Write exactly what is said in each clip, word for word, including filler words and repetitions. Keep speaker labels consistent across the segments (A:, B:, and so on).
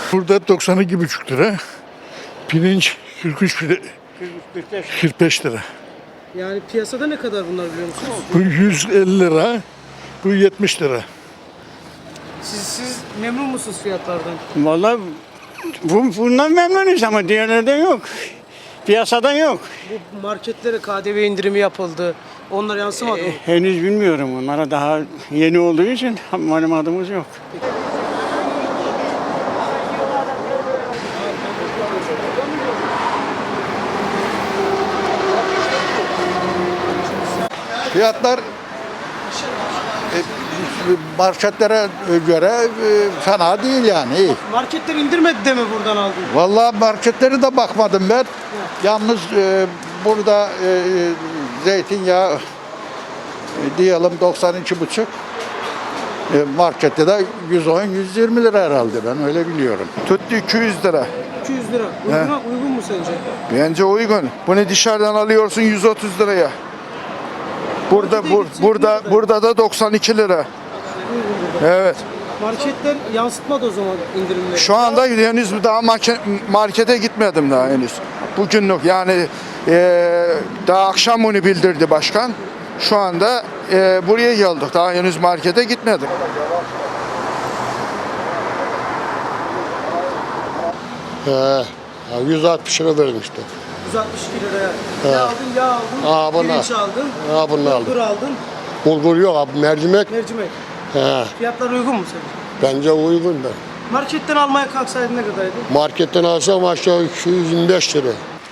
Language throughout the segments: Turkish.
A: Burada doksan iki buçuk lira. Pirinç kırk üç lira. kırk beş lira.
B: Yani piyasada ne kadar bunlar biliyor musunuz?
A: Bu yüz elli lira. Bu yetmiş lira.
B: Siz, siz memnun musunuz fiyatlardan?
C: Vallahi bu, bundan memnunuz ama diğerlerden yok. Piyasada yok.
B: Bu marketlere K D V indirimi yapıldı. Onlar yansımadı mı?
C: E, henüz bilmiyorum. Onlara daha yeni olduğu için malumatımız yok.
D: Fiyatlar e, marketlere göre e, fena değil yani. iyi.
B: Marketler indirmedi de mi buradan aldın?
D: Vallahi marketleri de bakmadım ben. Yalnız e, burada e, zeytinyağı e, diyelim doksan iki buçuk. E, markette de yüz on yüz yirmi lira herhalde, ben öyle biliyorum.
E: Tuttu iki yüz lira.
B: iki yüz lira. Uygun, uygun mu sence?
E: Bence uygun. Bunu dışarıdan alıyorsun yüz otuz liraya. Burada
B: Markete
E: bur,
B: gidecek
E: burada
B: nerede?
E: burada da doksan iki lira.
B: Uygun burada.
E: Evet.
B: Marketler yansıtmadı o zaman indirimleri.
E: Şu anda henüz daha marke- markete gitmedim daha henüz. Bugünlük yani eee, daha akşam bunu bildirdi başkan. Şu anda eee, buraya geldik. Daha henüz markete gitmedim.
F: He, yüz altmış lira verdim işte.
B: yüz altmış iki liraya. Ne aldın? Yağ aldın.
F: Aa, bunlar.
B: Pirinç aldın.
F: Ha, bunu aldım.
B: Bulgur aldın.
F: Bulgur yok abi, mercimek.
B: Mercimek.
F: He,
B: Fiyatlar uygun mu sence?
F: bence uygun da.
B: Marketten almaya kalksaydın ne kadardı?
F: Marketten alsam aşağı iki yüz yirmi beş lira.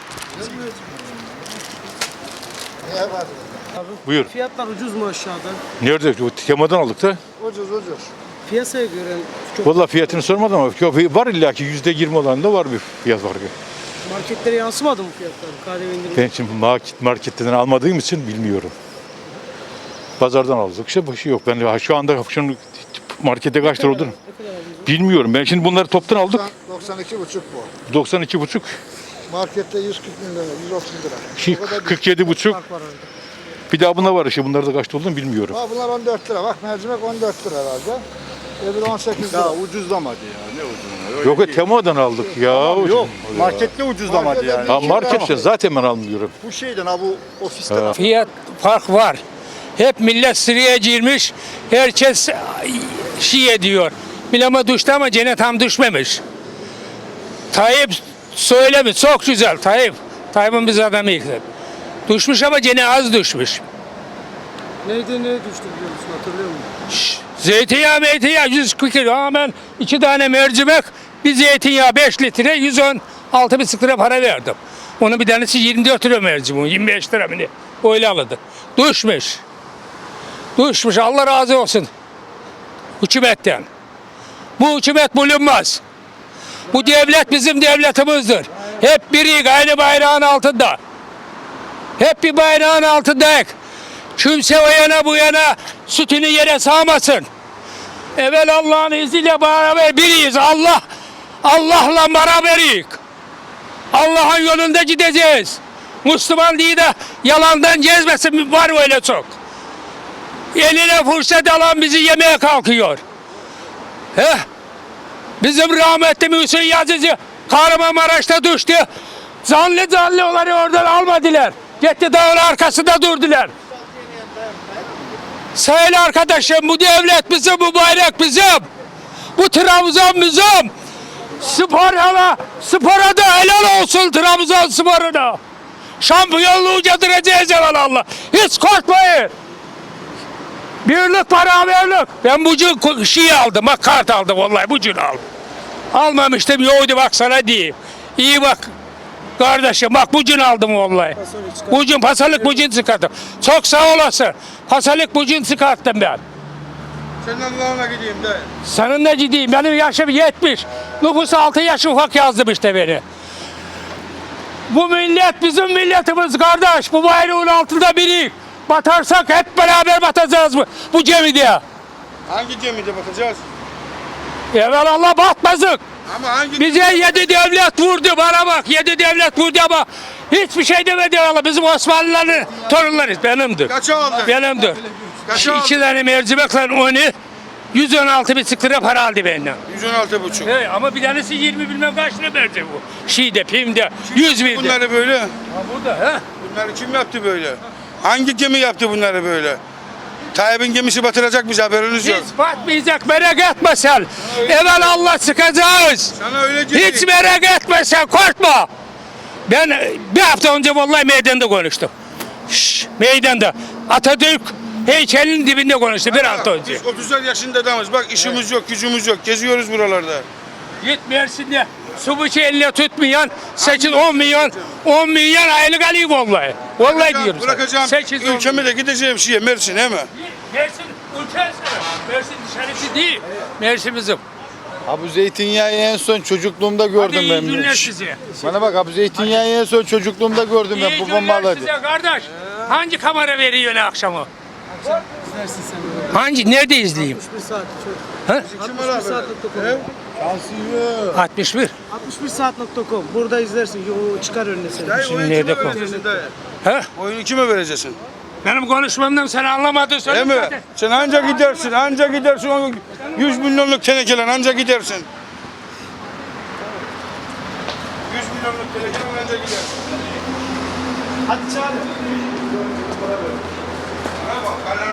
G: Buyur.
B: Fiyatlar ucuz mu aşağıda?
G: Nerede? Bu temadan aldık da.
D: Ucuz ucuz.
B: Piyasaya göre çok
G: Vallahi fiyatını sormadım ama yok, var illa ki yüzde yirmi olan da var bir fiyat farkı.
B: marketlere yansımadı mı fiyatlar? K D V indirimi.
G: Ben şimdi market, marketten almadığım için bilmiyorum. Pazardan aldık işte başı yok. Ben şu anda şunu markette kaç lira olduğunu
B: Ne kadar aldınız?
G: bilmiyorum. Ben şimdi bunları toptan aldık.
D: doksan iki buçuk bu.
G: doksan iki buçuk,
D: Markette yüz kırk lira, yüz otuz lira.
G: şey,
D: O kadar değil.
G: kırk yedi buçuk.
B: Fark var arada.
G: Bir daha bunlar var işte. Bunlar da kaç olduğunu bilmiyorum.
D: Ha, bunlar on dört lira. Bak mercimek on dört lira herhalde. Öbürü on sekiz lira.
H: Ya ucuzlamadı ya, ne ucuzlamadı.
G: Yok, temadan aldık ya.
H: Yok, markette ucuzlamadı yani.
G: Ha, marketten zaten ben almıyorum.
H: Bu şeyden ha bu ofisten
I: Fiyat fark var. Hep millet sıraya girmiş. Herkes şey ediyor. Bilama düştü ama gene tam düşmemiş. Tayyip söylemiş. Çok güzel Tayyip. Tayyip'in biz adamı yıktı. Düşmüş ama gene az düşmüş.
B: Neydi ne düştü biliyor musun? Hatırlıyor musun?
I: Şş, Zeytinyağı meytinyağı yüz kırk lira. Ama ben iki tane mercimek, bir zeytinyağı beş litre yüz on altı buçuk lira para verdim. Onun bir tanesi yirmi dört lira mercimeği. yirmi beş lira mı ne? Öyle aldı. Düşmüş. Düşmüş. Allah razı olsun. Hükümetten. Bu hükümet bulunmaz. Bu devlet bizim devletimizdir. Hep biri aynı bayrağın altında. Hep bir bayrağın altındayız. Kimse o yana bu yana sütünü yere sağmasın. Evvel Allah'ın izniyle beraber biriyiz. Allah, Allah'la beraberiz. Allah'ın yolunda gideceğiz. Müslüman değil de yalandan gezmesin, var öyle çok. Eline fırsat alan bizi yemeye kalkıyor. Heh. Bizim rahmetli Mühsin Yazıcı Kahramanmaraş'ta düştü. Zanlı zanlı onları oradan almadılar. Gitti dağın arkasında durdular. Sayın arkadaşım, bu devlet bizim, bu bayrak bizim. Bu Trabzon bizim. Spor hala, spora da helal olsun Trabzon sporuna. Şampiyonluğu getireceğiz Allah. Hiç korkmayın. Birlik beraberlik. Ben bugün şey aldım, bak kart aldım vallahi bugün aldım. Almamıştım, yoğdu bak sana diyeyim. İyi bak kardeşim, bak bugün aldım vallahi. Bugün pasalık bugün çıkarttım. Çok sağ olasın. Pasalık bugün çıkarttım ben.
H: Senin Allah'ına gideyim de.
I: Seninle gideyim. Benim yaşım yetmiş. Nüfus altı yaş ufak yazdım işte beni. Bu millet bizim milletimiz kardeş. Bu bayrağın altında biri. Batarsak hep beraber batacağız bu, bu gemide.
H: Hangi gemide bakacağız?
I: Evvel Allah batmazık.
H: Ama hangi
I: Bize yedi devlet vurdu, bana bak yedi devlet vurdu ama hiçbir şey demedi Allah. Bizim Osmanlıların torunlarıyız, benimdir.
H: Kaça aldın?
I: Benimdir.
H: Kaça
I: Şu
H: aldın?
I: iki tane mercimekle onu yüz on altı buçuk lira para aldı benden.
H: yüz on altı buçuk.
I: He, ama bir tanesi yirmi bilmem kaç lira verdi bu. Şeyde, Pim'de, yüz birde.
H: Bunları böyle.
I: Ha, burada ha.
H: Bunları kim yaptı böyle? Hangi gemi yaptı bunları böyle? Tayyip'in gemisi batıracak bizi, haberiniz yok.
I: Hiç batmayacak, merak etme sen. Evvel Allah sıkacağız.
H: Sana öyle dedi.
I: Hiç merak etme sen, korkma. Ben e, bir hafta önce vallahi meydanda konuştum. Şşş, meydanda. Atatürk heykelinin dibinde konuştu bir hafta önce.
H: Biz otuzlar yaşında adamız. Bak işimiz yok, gücümüz yok. Geziyoruz buralarda.
I: Git Mersin'de su bıçağı eline tutmayan sekiz on milyon on milyon aylık alıyor vallahi. Vallahi diyorum.
H: Bırakacağım
I: sekiz on
H: ülkemi de gideceğim şeye, Mersin, he mi?
I: Mersin ülkesi. Mersin dışarısı değil. Mersin bizim.
E: Abi zeytinyağı en son çocukluğumda
I: Hadi
E: gördüm
I: iyi
E: ben.
I: günler size.
E: Bana bak abi zeytinyağı en son çocukluğumda gördüm ben.
I: İyi
E: Babam
I: günler
E: alırdı.
I: size kardeş. Hangi kamera veriyor ne akşamı? Hangi? Nerede izleyeyim?
B: altmış bir saat çok.
I: Ha?
B: altmış bir saat nokta com.
I: altmış bir.
B: altmış bir saat nokta com. Burada izlersin. Yo, çıkar önüne seni.
H: Dayı,
I: Şimdi
H: oyunu
I: nerede
H: kime
I: kal-
H: vereceksin dayı?
I: Ha?
H: Oyunu kime vereceksin?
I: Benim konuşmamdan sen anlamadın.
H: He
I: Söyle
H: mi?
I: zaten.
H: Sen anca gidersin, anca gidersin. O yüz milyonluk tenekeler anca gidersin. yüz milyonluk tenekeler anca gidersin.
B: Hadi çağır.
H: Bana bak,